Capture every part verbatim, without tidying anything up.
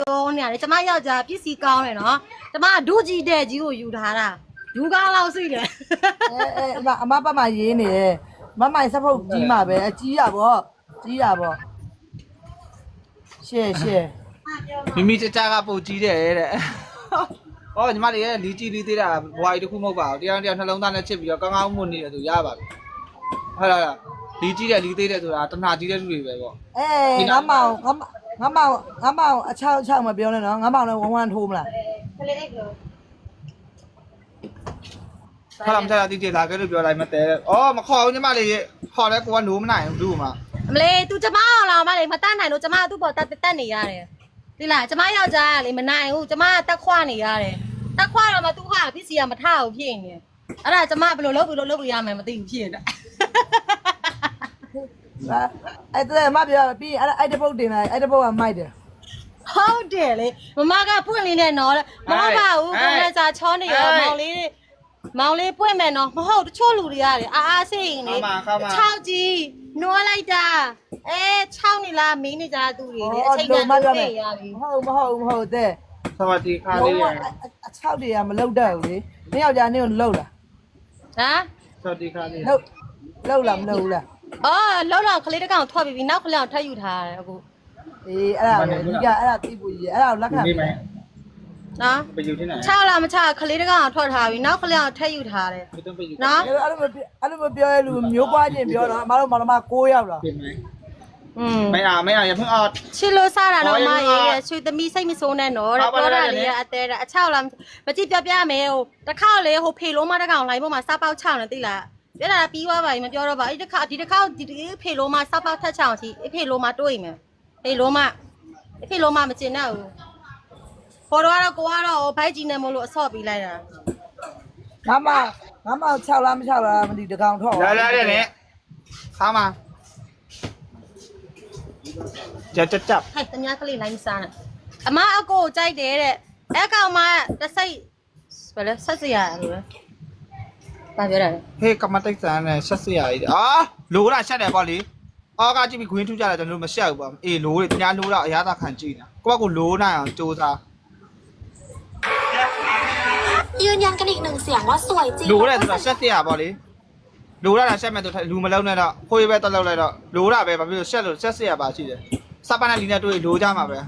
ပြောနေရတယ်ကျမယောက်ျားပစ္စည်းကောင်းတယ်နော်ကျမဒုကြီးတဲ့ကြီးကိုယူထားတာယူကောင်းလောက်စိတယ်အဲအဲအမပတ်မှရေးနေတယ်မမိုင်စဖုတ်ကြီးမှာပဲအကြီးရပေါ့ကြီးရပေါ့ရှေ့ရှေ့မိမိကြကြကပို့ကြီးတယ်တဲ့။အော်ညီမလေးရဲ့လီကြီးလီသေးတာဘွားကြီးတစ်ခုမဟုတ်ပါဘူး။တရားတရားနှလုံးသားနဲ့ချစ်ပြီးတော့ကောင်းကောင်းမွန်နေတယ်ဆိုရပါပြီ။ဟုတ်လားလီကြီးတယ်လီသေးတယ်ဆိုတာတဏှာကြီးတဲ့လူတွေပဲပေါ့။အေးငါမောင်ငါငါမောင်ငါမောင်အချောက်အချောက်မပြောနဲ့နော်ငါမောင်လည်းဝမ်းဝမ်းထိုးမလား။ကလေးအိတ်လို့ခါလမ်းချာတီတီလာခဲ့လို့ပြောလိုက်မတဲ။အော်မခေါ်ဘူးညီမလေးရဲ့ခေါ်လဲကိုကနိုးမနိုင်ဘူးဘူးမှာ။အမလေး तू ကျမအောင်လာမလေးမတတ်နိုင်လို့ကျမသူ့ပေါ်တက်တက်နေရတယ်။ဒီလားကျမယောက်ျားကလေမနိုင်ဘူးကျမတက်ခွနေရတယ်။တက်ခွတော့မှသူကပစ္စည်းကမထဘူးဖြစ်နေ။အဲ့ဒါကျမဘယ်လိုလုပ်ပြီးလို့လုပ်လို့ရမယ်မသိဘူးဖြစ်နေတာ။အဲ့တဲ့မပြောပြီးအဲ့အဲ့တပုတ်တင်လိုက်အဲ့တပုတ်ကမိုက်တယ်ဟုတ်တယ်လေမမကပွင့်လေးနဲ့နော်မဟုတ်ပါဘူးကိုယ်စာချောနေရောမောင်လေးမောင်လေးပွင့်မယ်နော်မဟုတ်တချို့လူတွေရတယ်အာအားစိတ်ရင်လေခြောက်ကြီးနွားလိုက်တာအဲခြောက်နေလားမင်းနေကြသူတွေလေအချိန်ကတည်းကရပြီဟုတ်မဟုတ်မဟုတ်တဲ့စวัสดีค่ะလေးရအချောက်တွေကမလုတ်တတ်ဘူးလေနင်းယောက်ျားနင်းကိုလုတ်လားဟမ်စวัสดีค่ะလေးလုတ်လုတ်လားမလုတ်ဘူးလားအော်လောက်တော့ကလေးတကောင်ထွက်ပြီးပြီနောက်ကလေးအောင်ထပ်ယူထားတယ်အခုအေးအဲ့ဒါပဲဒီကအဲ့ဒါသိဖို့ကြီးအဲ့ဒါကိုလက်ခံနော်ไปอยู่ที่ไหนချလာမချကလေးတကောင်ထွက်ထားပြီးနောက်ကလေးအောင်ထပ်ယူထားတယ်နော်အဲ့လိုအဲ့လိုမပြောရလူမျိုးပွားချင်းပြောတော့မတော်မတော်မကိုးရောက်လာပြင်ไหมอืมไม่เอาไม่เอาอย่าเพิ่งเอาချစ်လို့စားတာတော့မရေးရဲ့ရွှေသမီးစိတ်မစိုးနဲ့နော်တဲ့ပြောတာလေးအသေးတာအချောက်လားမကြည့်ပြပြမယ်ဟိုတစ်ခါလေဟိုဖေလုံးမတကောင်လိုင်းပေါ်မှာစားပေါက်ချောင်းနေသိလားပြတာပြီးသွားပါပြီမပြောတော့ပါအဲ့ဒီတစ်ခါဒီတစ်ခါဒီဖေလုံးမစားပေါက်ထက်ချောင်းစီအဖေလုံးမတွေးမယ်ဖေလုံးမအဖေလုံးမမကျင်တော့ဘူးခေါ်တော့ကိုကတော့ဘိုက်ကြီးနေမလို့အဆော့ပြီးလိုက်တာငါမငါမချောက်လားမချောက်လားမသိတကောင်ထောက်လာလာတဲ့နဲ့ခါမှာကြက်ကြက်ဟဲ့တ냐ကလေးလိုင်းစားနေအမအကိုကြိုက်တယ်တဲ့အဲ့ကောင်မတစိတ်ဘယ်လဲဆက်စရာလို့လဲဘာပြောတာလဲဟေးကမတိတ်ဆန်နဲ့ဆက်စရာကြီးအာလိုတာရှက်တယ်ပေါ့လေအော်ကကြည့်ပြီးခွင်းထူးကြတယ်ကျွန်တော်တို့မရှက်ဘူးပေါ့အေးလိုတယ်တ냐လိုတော့အရသာခံကြည့်နေတာကိုကကိုလိုနိုင်အောင်စူးစားยืนยันกันอีกหนึ่งเสียงว่าสวยจริงလိုတယ်ဆိုတာရှက်စရာပေါ့လေလိုတာရှက်မဲ့ဆိုလူမလုံးနဲ့တော့ခွေးပဲတက်လောက်လိုက်တော့လိုတာပဲဘာဖြစ်လို့ရှက်လို့ရှက်စရာပါရှိတယ်စပနာလီနဲ့တွေ့လိုကြမှာပဲ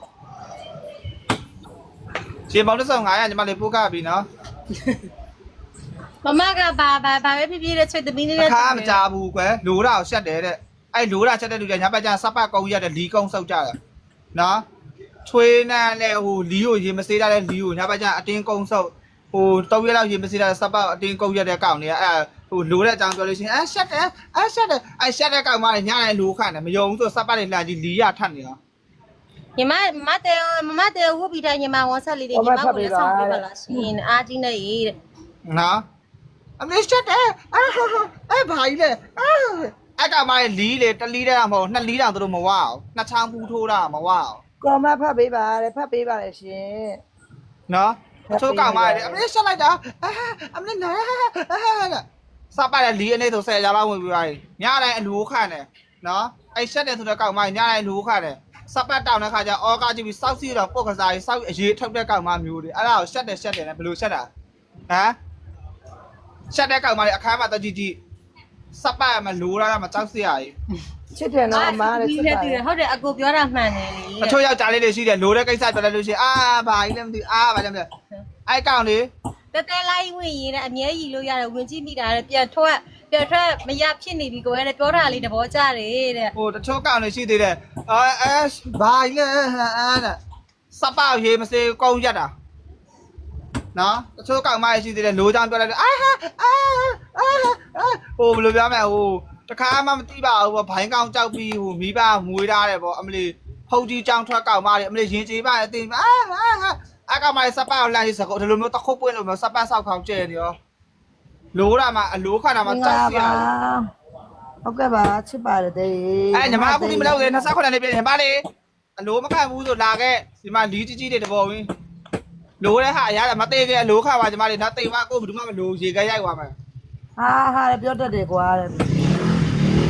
ရှင်ပေါင်းတစ်စုံငါးရာညီမလေးပို့ကပြီနော်မမကဘာဘာဘာပဲဖြစ်ဖြစ်တဲ့ချွေသမီးလေးနဲ့ခါမကြဘူးကွယ်လိုတာကိုရှက်တယ်တဲ့အဲ့လိုတာရှက်တဲ့လူတွေညာဘက်ကျစပတ်ကုန်းရတဲ့လီကုန်းဆုပ်ကြတယ်နော်ချွေးနန်းနဲ့ဟိုလီကိုရေမစေးတာတဲ့လီကိုညာဘက်ကျအတင်းကုန်းဆုပ်ဟိုတောက်ရလောက်ရေမစေးတာစပတ်အတင်းကုန်းရတဲ့ကောင်တွေကအဲ့ဟိုလိုတဲ့အကြောင်းပြောလို့ရှိရင်အဲရှက်တယ်အဲရှက်တယ်အဲရှက်တဲ့ကောင်မတွေညတိုင်းလိုခန့်တယ်မယုံဘူးဆိုစပတ်တွေလှန်ကြည့်လီရထတ်နေတာညီမမတဲမမတဲဝုတ်ပြီးတိုင်းညီမဝန်ဆက်လေးတွေညီမကိုလက်ဆောင်ပေးပါလားရှင်အားကြီးနေရေးတဲ့နော်အမေရှက်တယ်အဲအဲဘာကြီးလဲအဲအကောင်မတွေလီလေတလီတဲ့မဟုတ်နှစ်လီတောင်သူတို့မဝအောင်နှစ်ချောင်းပူထိုးတာမဝအောင်ကောမဖတ်ပေးပါတဲ့ဖတ်ပေးပါလေရှင်နော်အချိုးကောင်မတွေအမေရှက်လိုက်တာအမေနာစပတ်တဲ့လီအနေဆိုဆယ်ရာလောက်ဝင်ပြီးသွားပြီညတိုင်းအလိုခန့်တယ်နော်အဲ့ရှက်တယ်ဆိုတဲ့ကောင်မညတိုင်းအလိုခန့်တယ်စပတ်တောင်းတဲ့ခါကျအော်ကာကြည့်ပြီးစောက်စီတော့ပုတ်ကစားပြီးစောက်အရေးထုတ်တဲ့ကောင်မမျိုးတွေအဲ့ဒါကိုရှက်တယ်ရှက်တယ်နဲ့ဘယ်လိုရှက်တာဟမ်ရှက်တဲ့ကောင်မတွေအခါမှာတကြည့်ကြည့်စပတ်မလိုရတာမကြောက်စရာကြီးချစ်တယ်နော်အမားလည်းချစ်တယ်ဟုတ်တယ်အကိုပြောတာမှန်တယ်လေအချို့ယောက်ျားလေးတွေရှိတယ်လိုတဲ့ကိစ္စပြောလိုက်လို့ရှိရင်အာဘာကြီးလဲမသိအာဘာလဲမသိအဲ့ကောင်လေတဲတဲလိုက်ဝင်ရတဲ့အမြဲကြီးလို့ရတယ်ဝင်ကြည့်မိတာတဲ့ပြန်ထွက်ပြန်ထွက်မရဖြစ်နေပြီကိုယ်ကလည်းပြောတာလေးသဘောကျတယ်တဲ့ဟိုတချို့ကောင်တွေရှိသေးတယ်အဲအဲဘာကြီးလဲအဲ့ဒါစပရေမစေကုန်းရက်တာနော်တချို့ကောင်မရှိသေးတယ်လိုချောင်းပြောလိုက်တယ်အာဟာအာအာဟိုဘယ်လိုပြောမလဲဟိုတခါမှမသိပါဘူးပေါ့ဘိုင်းကောင်ကြောက်ပြီးဟိုမိဘမွေးထားတယ်ပေါ့အမလီဖုတ်ကြီးကြောင်းထွက်ကောင်မတွေအမလီရင်ကျေးပါအသိအာအာအကောင်မစပကိုလှမ်းစကောဒီလိုမျိုးတခုတ်ပွင့်လို့မျိုးစပဆောက်ခေါင်ကျဲနေရောလိုတာမှအလိုခါတာမှကြောက်စရာဟုတ်ကဲ့ပါချစ်ပါတယ်တဲ့အဲညီမအခုဒီမလောက်လေနှစ်ဆခုနှစ်လေးပြင်ညီမလေးအလိုမခံဘူးဆိုလာခဲ့ဒီမှာလီကြီးကြီးတွေတဘောဝင်းလိုတဲ့ဟာအရာမသေးခဲ့အလိုခါပါညီမလေးနော်တိမ်မကိုဘယ်သူမှမလိုရေခဲရိုက်သွားမယ်ဟာဟာပြောတတ်တယ်ကွာတဲ့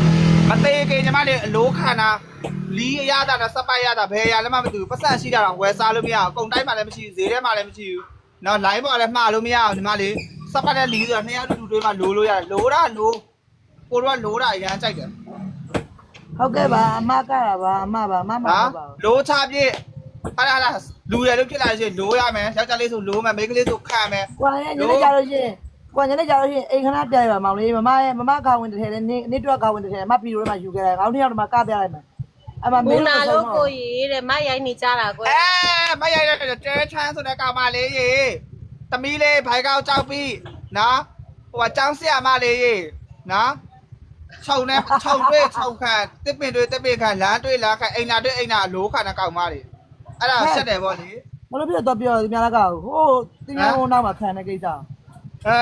မသေးခင်ညီမလေးအလိုခံတာလီးအရသာနဲ့စပိုက်ရတာဘယ်ရလည်းမမသိဘူးပတ်စံရှိတာတော့ဝယ်စားလို့မရအောင်အကုန်တိုင်းမှလည်းမရှိဘူးဈေးထဲမှာလည်းမရှိဘူးနော် line ပေါ်လည်းမှားလို့မရအောင်ညီမလေးစပိုက်နဲ့လီးဆိုတာနှစ်ယောက်တူတူတွေးမှလိုလို့ရတယ်လိုတာလိုကိုတော့လိုတာအရန်ကြိုက်တယ်ဟုတ်ကဲ့ပါအမကတာပါအမပါမမပါပါလိုချပြည့်ဟာလာလာလူရလို့ဖြစ်လာရှင်လိုရမယ်ယောက်ျားလေးဆိုလိုမယ်မိန်းကလေးဆိုခံမယ်ကွာညနေကြလို့ရှိရင်ကွာညနေကြလို့ရှိရင်အိမ်ခဏပြရပါမောင်လေးမမရဲ့မမခါဝင်တစ်ထည်နဲ့နေတွက်ခါဝင်တစ်ထည်မဖီရိုထဲမှာယူခဲ့တယ်ခေါင်းတစ်ယောက်တည်းမှာကပြလိုက်မယ်အမမဘူင်းနာလို့လို့ကိုကြီးတဲ့မရိုက်နေကြတာကွယ်အဲမရိုက်ရတဲ့တဲချမ်းဆိုတဲ့ကောင်မလေးရေတမီးလေးဘိုင်ကောက်ကြောက်ပြီးနော်ဟိုကចောင်းဆရာမလေးရေနော်ခြုံနဲ့ခြုံတွေ့ခြုံခံတစ်ပင်တွေ့တစ်ပင်ခံလမ်းတွေ့လမ်းခံအိမ်နာတွေ့အိမ်နာလိုးခံတဲ့ကောင်မလေးအဲ့ဒါဆက်တယ်ဗောလေမလို့ပြတော့ပြောဒီများလက်ကဟိုတင်းငယ်ဟိုနောက်မှာခံတဲ့ကိစ္စအဲ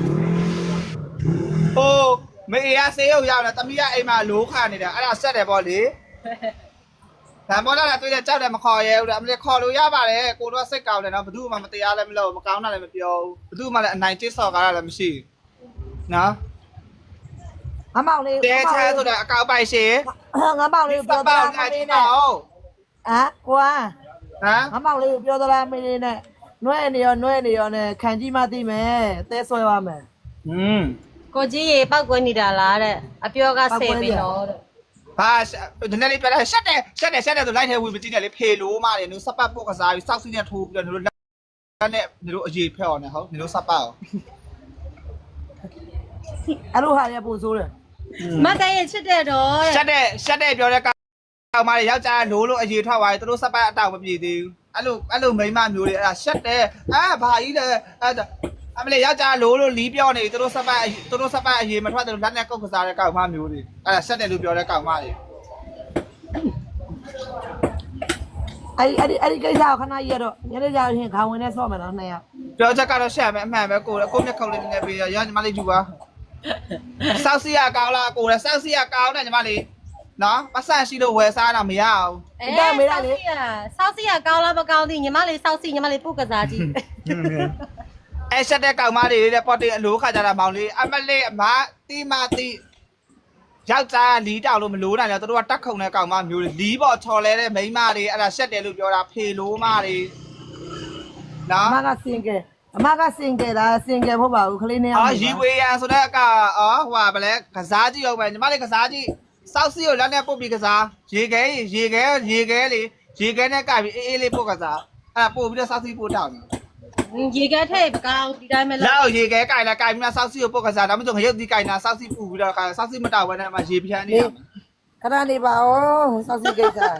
ဟိုမေရဆေးရုံရောက်လာတမီးကအိမ်မှာလိုးခံနေတယ်အဲ့ဒါဆက်တယ်ဗောလေဗန်မောလာတွေ့တဲ့ကြောက်တယ်မခေါ်ရဲဘူးအမလေးခေါ်လို့ရပါတယ်ကိုတော့စိတ်ကောင်းတယ်နော်ဘယ်သူမှမတရားလည်းမလုပ်မကောင်းတာလည်းမပြောဘူးဘယ်သူမှလည်းအနိုင်ကျစ်စော်ကားတာလည်းမရှိဘူးနော်အမောင်လေးတဲချဲဆိုတဲ့အကောက်ပိုက်ရှင်ငါမောင်လေးပြောသလားမင်းနဲ့အာကွာဟမ်ငါမောင်လေးပြောသလားမင်းနဲ့နွဲ့နေရောနွဲ့နေရောနဲ့ခံကြည့်မှသိမယ်တဲဆွဲပါမယ်อืมကိုကြီးရေပောက်ကွယ်နေတာလားတဲ့အပြောကဆယ်ပြီတော့တဲ့ဘာဒီနေ့လေးပြလိုက်ရှက်တယ်ရှက်တယ်ရှက်တယ်ဆိုလိုက်ထဲဝင်မကြည့်နဲ့လေဖေလို့မတယ်နူစပတ်ပုတ်ကစားပြီးစောက်စီးနဲ့ထိုးပြီးတော့နူတို့လက်နဲ့နူတို့အရေးဖျော်နေဟုတ်နူတို့စပတ်အောင်အဲ့လိုဟာရပို့ဆိုးတယ်မတန်ရင်ချစ်တဲ့တော့တဲ့ရှက်တယ်ရှက်တယ်ပြောတဲ့ကောင်မလေးယောက်ျားလိုးလို့အရေးထွက်သွားပြီသူတို့စပတ်အတောက်မပြေသေးဘူးအဲ့လိုအဲ့လိုမိန်းမမျိုးတွေအဲ့ဒါရှက်တယ်အာဘာကြီးလဲအဲ့ဒါအမလေးယောက်ျားလိုးလို့လီးပြောနေသူတို့စပတ်သူတို့စပတ်အရေးမထွက်တယ်လက်နဲ့ကုတ်ကစားတဲ့ကောင်မမျိုးတွေအဲ့ဒါရှက်တယ်လို့ပြောတဲ့ကောင်မလေးအဲ့အဲ့ဒီအဲ့ဒီကိစ္စကိုခဏကြီးရတော့ညနေကြရင်ခေါင်းဝင်နဲ့ဆော့မယ်နော်နှစ်ယောက်ပြောချက်ကတော့ရှက်မယ်အမှန်ပဲကိုယ်ကိုမျက်ခုံးလေးနည်းနည်းပေးရရညီမလေးယူပါစောက်စီရကောင်းလားကိုယ်လည်းစောက်စီရကောင်းတယ်ညီမလေးနော်ပတ်စံရှိလို့ဝယ်စားတာမရအောင်အဲဆောက်စီရဆောက်စီရကောင်းလားမကောင်းသေးညီမလေးဆောက်စီညီမလေးပုတ်ကစားကြည့်အဲရှက်တဲ့ကောင်မလေးတဲ့ပေါ်တင်အလိုခါကြတာမောင်လေးအမလေးအမတီမတီယောက်ျားလီးတောင်လို့မလို့နိုင်တယ်သူတို့ကတက်ခုံတဲ့ကောင်မမျိုးတွေလီးပေါ်ချော်လဲတဲ့မိန်းမတွေအဲ့ဒါရှက်တယ်လို့ပြောတာဖေလိုမတွေနော်အမကစင်ကဲအမကစင်ကဲလားစင်ကဲဖို့ပါဘူးခလေးနှစ်ယောက်အော်ရီဝေးရန်ဆိုတဲ့အကအော်ဟိုပါဗလဲကစားကြည့်အောင်ပဲညီမလေးကစားကြည့်စောက်စီကိုလက်နဲ့ပုတ်ပြီးကစားရေခဲရေခဲရေခဲလေရေခဲနဲ့ကပြီးအေးအေးလေးပုတ်ကစားအဲ့ဒါပို့ပြီးတော့စောက်စီပို့တောင်းရေကထဲပကောင်းဒီတိုင်းပဲလောက်ရေခဲကင်လာကင်ပြီးမှစောက်စီကိုပုတ်ကစားဒါမှမဟုတ်ငရုတ်ဒီကင်လာစောက်စီပူပြီးတော့စောက်စီမတောက်ဘဲနဲ့မှရေဖြန်းနေရမှာခဏနေပါဦးစောက်စီကိစ္စ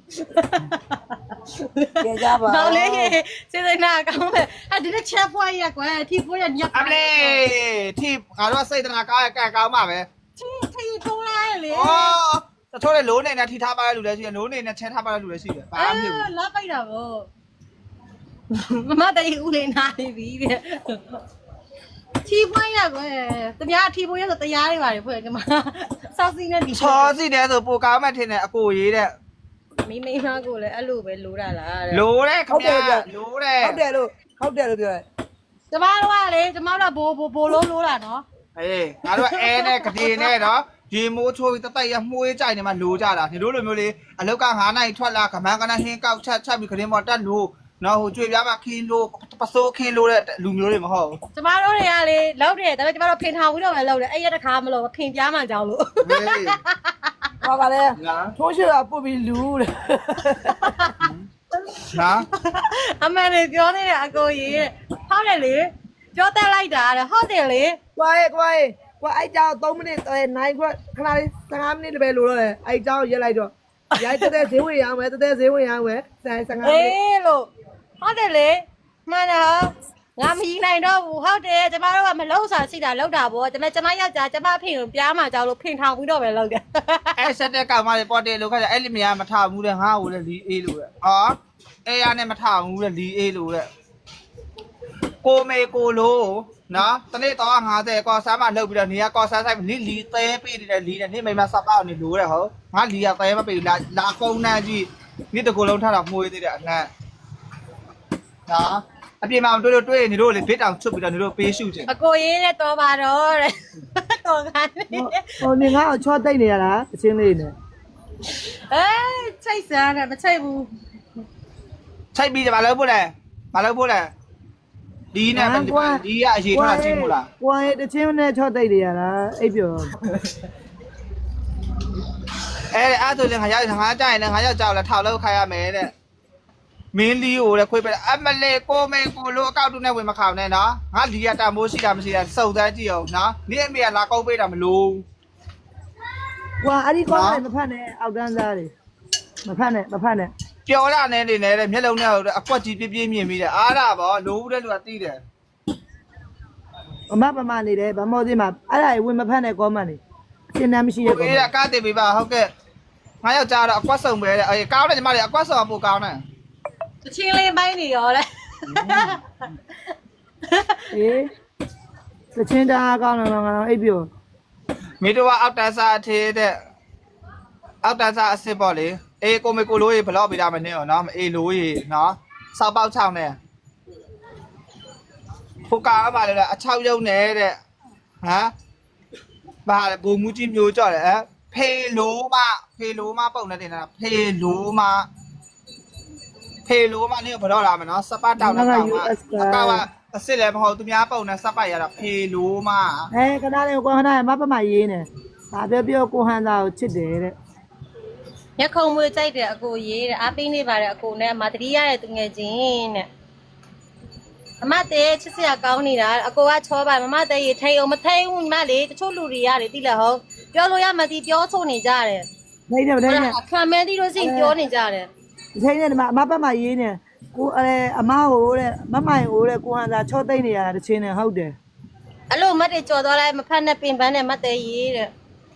ကြကြပါတော့လေစေစနာကောင်းတယ်ဟာဒီနေ့ချက်ဖွားရကွယ်ထီဖွားရညက်အမလေးထိငါတို့စိတ်တနာကောင်းရကံကောင်းပါပဲထီထီထုံးလိုက်လေဩတချို့လေလိုးနေနဲ့ထိထားပါတဲ့လူလည်းရှိတယ်လိုးနေနဲ့ချဲထားပါတဲ့လူလည်းရှိတယ်ဘာမှမဖြစ်ဘူးလာပိုက်တာဗောမမတိုင်ဦးလေးနာနေပြီတဲ့ထီဖွားရကွယ်တမထီဖွားရဆိုတရားတွေပါတယ်ဖွယ်ကမစောက်စီနဲ့ဒီချောစီတယ်ဆိုပိုကောင်းမှထင်တယ်အကိုရေးတဲ့မိမိမကိုလည်းအဲ့လိုပဲလိုတာလားတဲ့လိုးတဲ့ခင်ဗျာလိုးတဲ့ဟုတ်တယ်လို့ဟုတ်တယ်လို့ပြောတယ်ကျမတို့ကလေကျမတို့ကဘိုးဘိုးဘိုးလုံးလိုတာနော်အေးငါတို့အဲနဲ့ကတိနဲ့နော်ရေမိုးချိုးပြီးတတိုက်ရမှုေးကြိုင်နေမှလိုးကြတာဒီလိုလိုမျိုးလေးအလောက်ကငါးနိုင်ထွက်လာခမန်းကနဟင်းကောက်ချက်ချက်ပြီးခရင်ပေါ်တက်လို့နော်ဟိုကြွေပြားမှခင်းလို့ပစိုးခင်းလို့တဲ့လူမျိုးတွေမဟုတ်ဘူးကျမတို့တွေကလေလောက်တယ်ဒါပေမဲ့ကျမတို့ဖင်ထောင်ပြီးတော့ပဲလောက်တယ်အဲ့ရတခါမလို့ဖင်ပြားမှကြောင်းလို့ဟေးဟောပါလေနော်ထိုးရှိတာပုတ်ပြီးလူတဲ့နော်အမှန်လေပြောနေတယ်အကိုကြီးတဲ့ဟုတ်တယ်လေပြောတတ်လိုက်တာတဲ့ဟုတ်တယ်လေကွာရဲ့ကွာရဲ့ကွာအဲ့ကြောင်သုံးမိနစ်နိုင်ခွက်ခဏလေးဆယ်ငါးမိနစ်ပဲလိုတော့တယ်အဲ့ကြောင်ရက်လိုက်တော့ရိုက်တဲ့ဈေးဝင်ရအောင်ပဲတဲ့ဈေးဝင်ရအောင်ပဲဆယ်ဆယ်ငါးမိနစ်အေးလို့ဟုတ်တယ်လေမှန်တယ်ငါမကြီးနိုင်တော့ဘူးဟုတ်တယ်ကျမတို့ကမလုံးစာရှိတာလောက်တာပေါ့ကျမကျမယောက်ျားကျမဖင်ကိုပြားမှကြောင်းလို့ဖင်ထောင်ပြီးတော့ပဲလောက်တယ်အဲဆက်တဲ့ကောင်မလေးပေါ်တယ်လို့ခါကြအဲ့လိမယားမထဘူးတဲ့ငါ့ကိုလည်းလီအေးလို့တဲ့အော်အဲရနဲ့မထဘူးတဲ့လီအေးလို့တဲ့ကိုမေကိုလို့နော်တနေ့တော့ငါးဆယ်ကောဆမ်းမလှုပ်ပြီးတော့နေရကောဆမ်းဆိုင်လီလီသဲပေးနေတဲ့လီနဲ့နေမိမစပောက်နေလို့တဲ့ဟုတ်ငါလီရသဲမပေးလာလာကုန်းနှမ်းကြီးနေ့တကူလုံးထတာမှုေးသေးတယ်အနှံ့နော်အပြင်မှာတွေ့လို့တွေ့နေတို့လေဘစ်တောင်ချွတ်ပြီးတော့နေတို့ပေးရှုချင်အကိုရေးတဲ့တော်ပါတော့တဲ့တော်ခိုင်းဟိုနေငါ့ကိုချောတိတ်နေရလားအချင်းလေးနဲ့အေးချိတ်စားတယ်မချိတ်ဘူးချိတ်ပြီးတယ်မလုပ်ဖို့လဲမလုပ်ဖို့လဲဒီနဲ့ဒီကအရေးထားချင်းမို့လားကိုယ်တချင်းနဲ့ချောတိတ်နေရလားအိပ်ပျော်အဲအဲ့ဆိုရင်ငါရောက်ငါကြရင်လည်းငါရောက်ကြောက်လဲထောက်လို့ခိုင်းရမယ်တဲ့မင်းလီကိုလည်းခွေးပဲအမလေးကိုမေကိုလိုအကောက်တူနဲ့ဝင်မခေါင်နဲ့နော်ငါဒီကတမိုးရှိတာမရှိတာစုံစမ်းကြည့်အောင်နော်ဒီအမေကလာကောက်ပေးတာမလို့ကွာအဲ့ဒီကောင်းတယ်မဖတ်နဲ့အောက်တန်းသားတွေမဖတ်နဲ့မဖတ်နဲ့ပျော်ရနေနေနဲ့မျက်လုံးနဲ့အကွက်ကြီးပြပြမြင်ပြီးတဲ့အားရပါလိုဘူးတဲ့လူကတီးတယ်အမပမနေတယ်ဗမောသေးမှာအဲ့ဒါဝင်မဖတ်နဲ့ကောမန်နေအရှင်းတမ်းမရှိရကောအေးအကားတင်ပေးပါဟုတ်ကဲ့ငါယောက်ျားတော့အကွက်စုံပဲတဲ့အေးကောင်းတယ်ညီမလေးအကွက်စုံပို့ကောင်းတယ်တချင်းလေးပိုင်းနေရောလေအေးတချင်းတအားကောင်းတော့ငါအိပ်ပျော်မိတို့ကအောက်တန်းစားအထေးတဲ့အောက်တန်းစားအစ်စ်ပေါ့လေအေးကိုမေကိုလိုကြီးဘလော့ပေးတာမနေရောနော်အေးလိုကြီးနော်စောက်ပေါက်ချောင်းနဲ့ဖုတ်ကားပါလေအချောက်ရုံနေတဲ့ဟမ်ဘာလဲဘူမူကြီးမျိုးကြော့တယ်ဖေလိုမဖေလိုမပုံနေတယ်နော်ဖေလိုမဖေလိုမနေဘလော့လာမယ်နော်စပတ်တောင်းတဲ့ကောင်ကအကောက်ကအစ်စ်လည်းမဟုတ်သူများပုံနဲ့စပတ်ရတာဖေလိုမအဲခဏလေးကိုခဏလေးမပမရေးနေဒါပြောပြောကိုဟန်သားကိုချစ်တယ်တဲ့ညခုံမွေးကြိုက်တယ်အကိုရေးတဲ့အားပေးနေပါတယ်အကိုနဲ့မတတိရတဲ့သူငယ်ချင်းတဲ့အမတဲ့ချစ်စရာကောင်းနေတာအကိုကချောပါမမတဲ့ရေထိန်အောင်မထိန်ဘူးညီမလေးတချို့လူတွေရတယ်တိလားဟုတ်ပြောလို့ရမသိပြောဆိုနေကြတယ်နေတယ်နေတယ်ခံမဲတိလို့စိပြောနေကြတယ်ဒီချိန်နဲ့ဒီမှာအမပမရေးနေကိုအဲအမဟိုတဲ့မမိုင်ဟိုတဲ့ကိုဟန်သားချောတိတ်နေရတာတချင်းနဲ့ဟုတ်တယ်အဲ့လိုမတ်တွေကြော်သွားလိုက်မဖက်နဲ့ပင်ပန်းနဲ့မတ်တဲ့ရေးတဲ့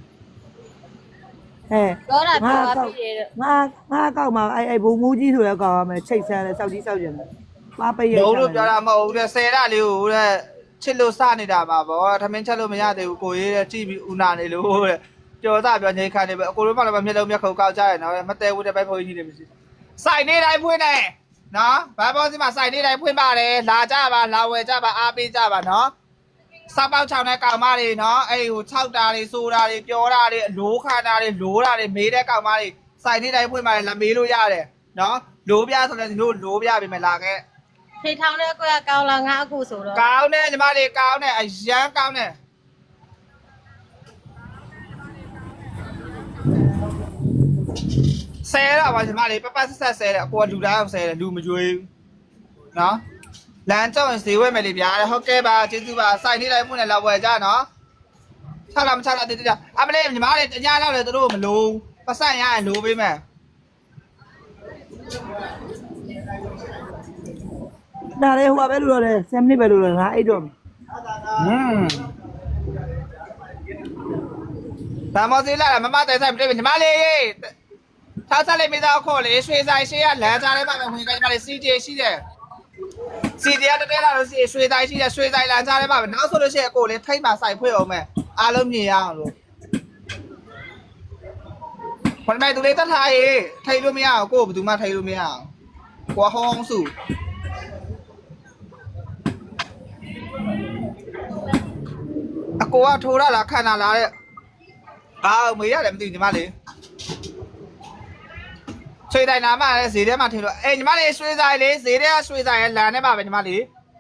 အဲပြောတာပြောပါပြီတဲ့ငါငါကောက်မှာအဲအဲဘုံမူးကြီးဆိုတဲ့ကောက်ရမယ်ချိတ်ဆန်းတဲ့စောက်ကြီးစောက်ကျင်တယ်ပါပရဲ့ဘုံလို့ပြောတာမဟုတ်ဘူးတဲ့ဆယ်ရလေးကိုတဲ့ချစ်လို့စနေတာပါဗောထမင်းချက်လို့မရသေးဘူးကိုရေးတဲ့ကြည့်ပြီးဦးနာနေလို့တဲ့ကြော်သားပြောငိတ်ခါနေပဲအကိုတို့မှလည်းမျက်လုံးမျက်ခုံကောက်ကြရနော်မတဲဘူးတဲ့ဘိုက်ဖိုးကြီးနေမရှိစိုက်နေတိုင်းဖွင့်နေနော်ဘာဘောစီမှာစိုက်နေတိုင်းဖွင့်ပါတယ်လာကြပါလာဝယ်ကြပါအားပေးကြပါနော်စပောက်ချောင်းတဲ့ကောင်မတွေနော်အဲ့ဟို၆တာတွေဆိုတာတွေပြောတာတွေအလိုခါတာတွေလိုတာတွေမေးတဲ့ကောင်မတွေစိုက်နေတိုင်းဖွင့်ပါတယ်လာမေးလို့ရတယ်နော်လိုပြဆိုလည်းဒီလိုလိုပြပြီမလာခဲ့ထိထောင်တဲ့အကွက်ကကောင်းလာငါအကူဆိုတော့ကောင်းတယ်ညီမလေးကောင်းတယ်အရန်ကောင်းတယ်ဆဲရပါညီမလေးပပဆက်ဆက်ဆဲတယ်အကိုကလူသားအောင်ဆဲတယ်လူမကြွေးဘူးနော်လမ်းကြောင်းရင်ဈေးဝယ်မယ်လေဗျာဟုတ်ကဲ့ပါကျေးဇူးပါစိုက်နေတိုင်းမှုနဲ့လောက်ဝယ်ကြနော်ချလာမချလာတည်တည်အမလေးညီမလေးတညာလောက်လေသူတို့မလို့ပတ်ဆက်ရရင်လိုပေးမယ်ဒါလေဟိုပဲလို့ရတယ်ဆယ်မိနစ်ပဲလို့ရတယ်ငါအိတ်တော့ဟွန်းဒါမောစီလာမမတဲဆိုင်ပြည့်ညီမလေးထားစားလေးမိသားခေါ်လေရွှေဆိုင်ရှေ့ကလမ်းကြားထဲမှာပဲဝင်ကြညီမလေးစီဂျေရှိတယ်စီဂျေကတတဲလာလို့စီရွှေဆိုင်ရှိတယ်ရွှေဆိုင်လမ်းကြားထဲမှာပဲနောက်ဆိုလို့ရှိရင်အကိုလေးထိတ်မှာဆိုင်ဖွင့်အောင်မယ်အားလုံးမြင်ရအောင်လို့ခဏတူလေးတတ်ထားရေးထိတ်လို့မရအောင်ကိုဘယ်သူမှထိတ်လို့မရအောင်ကိုဟောင်းစုအကိုကထိုးရလားခံလာလားတဲ့အာမေးရတယ်မသိညီမလေးရွှေတိုင်နာမလည်းဈေးထဲမှာထင်လို့အေးညီမလေးရွှေဆိုင်လေးဈေးထဲကရွှေဆိုင်ရဲ့လမ်းထဲမှာပဲညီမလေး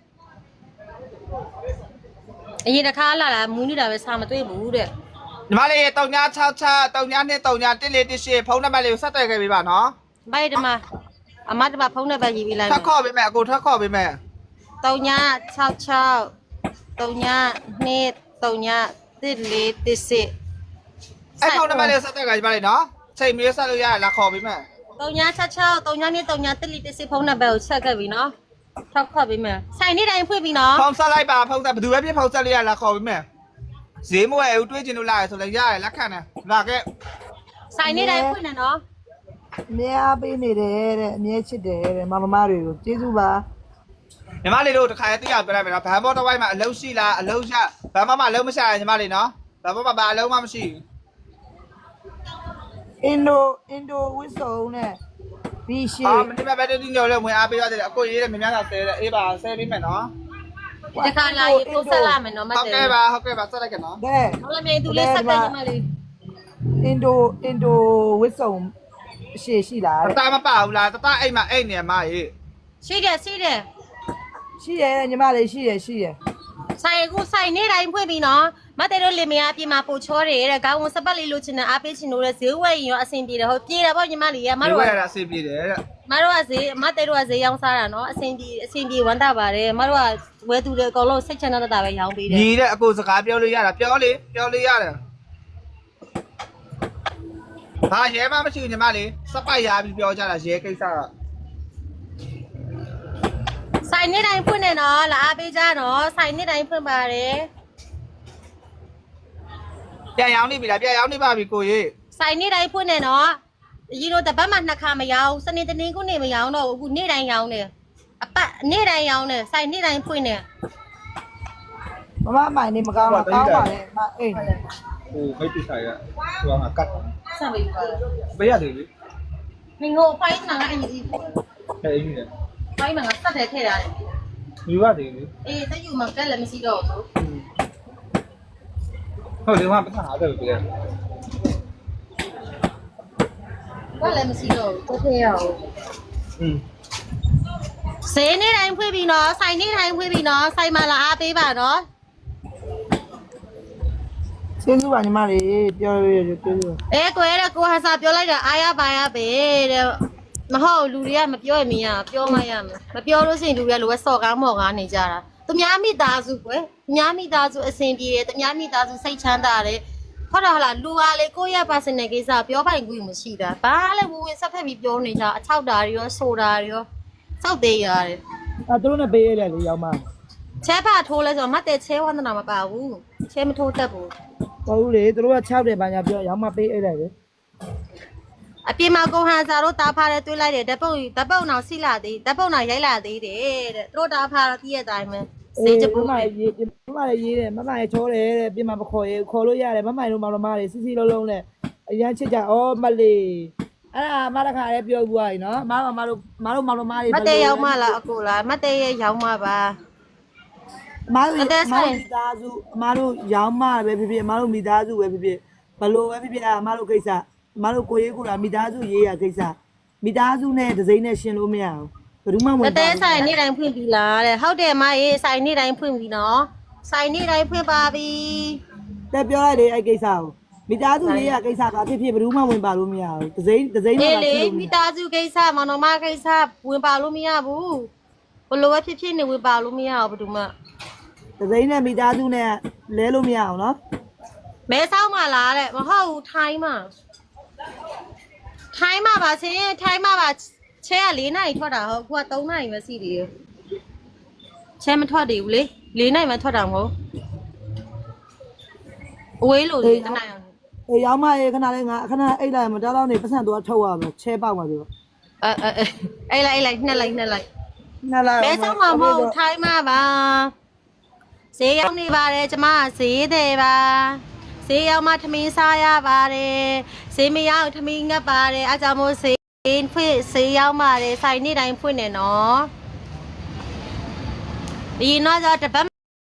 အရင်တစ်ခါလာလာမူးနေတာပဲစာမတွေ့ဘူးတဲ့ညီမလေးတုံညာ၆၆တုံညာနှစ်တုံညာတစ်လေးတစ်ရှစ်ဖုန်းနံပါတ်လေးကိုဆက်သွယ်ခဲ့ပေးပါနော်ဘိုက်တမအမတမဖုန်းနဲ့ပဲရေးပြီးလိုက်ထပ်ခေါ်ပေးမယ်အကိုထပ်ခေါ်ပေးမယ်တုံညာ၆၆တုံညာနှစ်တုံညာတစ်လေးတစ်စစ်အဲ့ဖုန်းနံပါတ်လေးဆက်သွယ်ခဲ့ညီမလေးနော်ချိန်မီဆက်လို့ရရလားခေါ်ပေးမယ်တုံညာ၆၆တုံညာနှစ်တုံညာတစ်လေးတစ်စစ်ဖုန်းနံပါတ်ကိုဆက်ခဲ့ပြီနော်ထောက်ခေါ်ပေးမယ်ဆိုင်နေတိုင်းဖွင့်ပြီနော်ဖုန်းဆက်လိုက်ပါဖုန်းဆက်ဘယ်သူပဲဖြစ်ဖုန်းဆက်လို့ရလားခေါ်ပေးမယ်ဈေးမဝယ်ဘူးတွေးချင်လို့လာရဆိုလည်းရတယ်လက်ခံတယ်လာခဲ့ဆိုင်နေတိုင်းဖွင့်နေနော်အမြဲအားပေးနေတယ်တဲ့အမြဲချစ်တယ်တဲ့မမမတွေကိုကျေးဇူးပါညီမလေးတို့တစ်ခါတည်းပြောလိုက်မယ်နော်ဗန်ဘောတစ်ဝိုင်းမှာအလုံးရှိလားအလုံးရဗန်ဘောမှာအလုံးမရှာရညီမလေးနော်ဗန်ဘောမှာဘာအလုံးမှမရှိဘူးအင်ဒိုအင်ဒိုဝစ်စုံနဲ့ပြီးရှေ့အာမနေ့ကပဲတူညိုလဲဝင်အားပေးရတယ်အကိုရေးတယ်မြများသာဆဲတယ်အေးပါဆဲပေးမယ်နော်ဒီခါလာရေပို့ဆက်လာမယ်နော်မဟုတ်တဲ့ကဲ့ပါဟုတ်ကဲ့ပါဆက်လိုက်ကနော်ကဲဟုတ်လားမြေသူလေးဆက်တယ်ညီမလေးအင်ဒိုအင်ဒိုဝစ်စုံရှေ့ရှိလားတတမပဘူးလားတတအိမ်မှာအိမ်နေမှာရေးရှိတယ်ရှိတယ်ရှိတယ်ညီမလေးရှိတယ်ရှိတယ်ဆိုင်ကူဆိုင်နေတိုင်းဖွင့်ပြီးနော်မတဲ့တို့လင်မယားအပြင်မှာပို့ချောတယ်တဲ့ခေါင်းဝင်စပတ်လေးလိုချင်တဲ့အားပေးချင်လို့တဲ့ဈေးဝယ်ရင်ရောအဆင်ပြေတယ်ဟုတ်ပြေတယ်ပေါ့ညီမလေးရမဒီတို့ဝကဲရတာအဆင်ပြေတယ်တဲ့မတို့ကဈေးမတဲ့တို့ကဈေးရောင်းစားတာနော်အဆင်ပြေအဆင်ပြေဝမ်းသာပါတယ်မတို့ကဝယ်သူတွေအကုန်လုံးစိတ်ချမ်းသာတာပဲရောင်းပေးတယ်ညီတဲ့အကိုစကားပြောလို့ရတာပြောလေပြောလို့ရတယ်ဟာရဲမမရှိဘူးညီမလေးစပိုက်ရပြီးပြောကြတာရဲကိစ္စကဆိုင်နေတိုင်းဖွင့်နေနော်လာအားပေးကြနော်ဆိုင်နေတိုင်းဖွင့်ပါတယ်ပြန်ရောင်းနေပြီလားပြန်ရောင်းနေပါပြီကိုကြီးဆိုင်နေတိုင်းဖွင့်နေနော်ရီတို့တပတ်မှနှစ်ခါမရောင်းစနေတနင်္ဂနွေမရောင်းတော့အခုနေ့တိုင်းရောင်းတယ်အပတ်နေ့တိုင်းရောင်းတယ်ဆိုင်နေ့တိုင်းဖွင့်နေမမမိုင်နေမကောင်းတော့ကောင်းပါလေမအေးဟိုမိတ်ပိဆိုင်ကဟိုကကတ်ဆက်ပြီးပါပေးရတယ်လေနေငိုဖိုင်းနာအင်ကြီးဟဲ့အင်းကြီးလေဖိုင်းမှာဆက်တယ်ထည့်ရတယ်ယူရတယ်လေအေးတယူမှာကလည်းမရှိတော့ဘူးဟုတ်တယ်မှာပတ်ထားတယ်ပြည့်ကလည်းမရှိတော့ဘူးထည့်ရအောင်อืมဈေးနေ့တိုင်းဖွင့်ပြီးနော်ဆိုင်နေ့တိုင်းဖွင့်ပြီးနော်ဆိုင်မှာလာအားပေးပါနော်ကျေးဇူးပါညီမလေးပြောရရကျေးဇူးအဲကွယ်တဲ့ကိုဟာစာပြောလိုက်တာအားရပါရပဲတဲ့မဟုတ်လူတွေကမပြောရင်မရပြောမှရမယ်မပြောလို့ရှိရင်လူတွေကလိုပဲစော်ကားမော်ကားနေကြတာသူများမိသားစုကွယ်သူများမိသားစုအဆင်ပြေတယ်သူများမိသားစုစိတ်ချမ်းသာတယ်ဟုတ်တယ်ဟလားလူအားလေကိုယ့်ရဲ့ personal ကိစ္စပြောပိုင်ခွင့်မရှိတာဘာလဲဝင်ဝင်ဆက်ဖက်ပြီးပြောနေကြအချောက်တာတွေရောဆိုတာတွေရောစောက်သေးရတယ်အဲသူတို့နဲ့ပေးရတယ်လေရောက်မှချဲဖာထိုးလဲဆိုတော့မတဲ့ချဲဝန္ဒနာမပါဘူးချဲမထိုးတတ်ဘူးတော်ဘူးလေသူတို့က၆တယ်ဘာညာပြောရောက်မှပေးအဲ့လိုက်လေအပြင်မှာကိုဟန်စာတို့တားဖားတဲ့တွေးလိုက်တယ်ဓပုတ်ဓပုတ်နောက်စီလာသေးဓပုတ်နောက်ရိုက်လာသေးတယ်တဲ့သူတို့တားဖားတော့တည့်ရတိုင်းပဲစေးချပူမမရေးမမရေးရေးတယ်မမရေးချောတယ်တဲ့ပြင်မှာမခေါ်ရေးခေါ်လို့ရတယ်မမတို့မောင်တော်မလေးစီစီလုံးလုံးနဲ့အရန်ချစ်ကြဩမလေးအဲ့ဒါမတခါလေးပြောဘူးආနော်မမမတို့မတို့မောင်တော်မလေးမတဲ့ရောက်မှလားအကိုလားမတဲ့ရဲ့ရောက်မှပါအမတို့အမတို့မိသားစုအမတို့ရောင်းမှပဲဖြစ်ဖြစ်အမတို့မိသားစုပဲဖြစ်ဖြစ်ဘလို့ပဲဖြစ်ဖြစ်အမတို့ကိစ္စအမတို့ကိုရေးကိုလာမိသားစုရေးရကိစ္စမိသားစုနဲ့ဒစိမ့်နဲ့ရှင်လို့မရဘူးဘယ်သူမှဝင်မတဲ့ဆိုင်နေ့တိုင်းဖွင့်ပြီလားတဲ့ဟုတ်တယ်မအေးဆိုင်နေ့တိုင်းဖွင့်ပြီနော်ဆိုင်နေ့တိုင်းဖွင့်ပါပြီတက်ပြောလိုက်လေအဲ့ကိစ္စကိုမိသားစုရေးရကိစ္စကဖြစ်ဖြစ်ဘယ်သူမှဝင်ပါလို့မရဘူးဒစိမ့်ဒစိမ့်နဲ့အေးလာလေကြည့်လို့မိသားစုကိစ္စမောင်နှမကိစ္စဝင်ပါလို့မရဘူးဘလို့ပဲဖြစ်ဖြစ်နေဝင်ပါလို့မရဘူးဘယ်သူမှဒစိမ့်နဲ့မိသားစုနဲ့လဲလို့မရအောင်နော်မဲဆောက်မှလားတဲ့မဟုတ်ဘူးထိုင်းမှာထိုင်းမှာပါချင်းထိုင်းမှာပါချဲက၄နိုင်ထွက်တာဟုတ်ခုက၃နိုင်ပဲစီတယ်ချဲမထွက်သေးဘူးလေ၄နိုင်မှထွက်တာမဟုတ်အဝေးလို့လေတနိုင်အောင်အေးရောင်းမရေခဏလေးငါခဏအိတ်လိုက်မတော်တော့နေပတ်စံတော့ထုတ်ရမယ်ချဲပေါက်ပါဆိုတော့အဲအဲအဲ့လိုက်အဲ့လိုက်နှက်လိုက်နှက်လိုက်နှက်လိုက်မဲဆောက်မှာမဟုတ်ထိုင်းမှာပါဈေးရောက်နေပါတယ်ကျမဈေးတယ်ပါဈေးရောက်မှထမင်းစားရပါတယ်ဈေးမရောက်ထမင်းငတ်ပါတယ်အားကြောင့်မို့ဈေးဖွင့်ဈေးရောက်ပါတယ်ဆိုင်နေ့တိုင်းဖွင့်နေနော်ဒီတော့တပတ်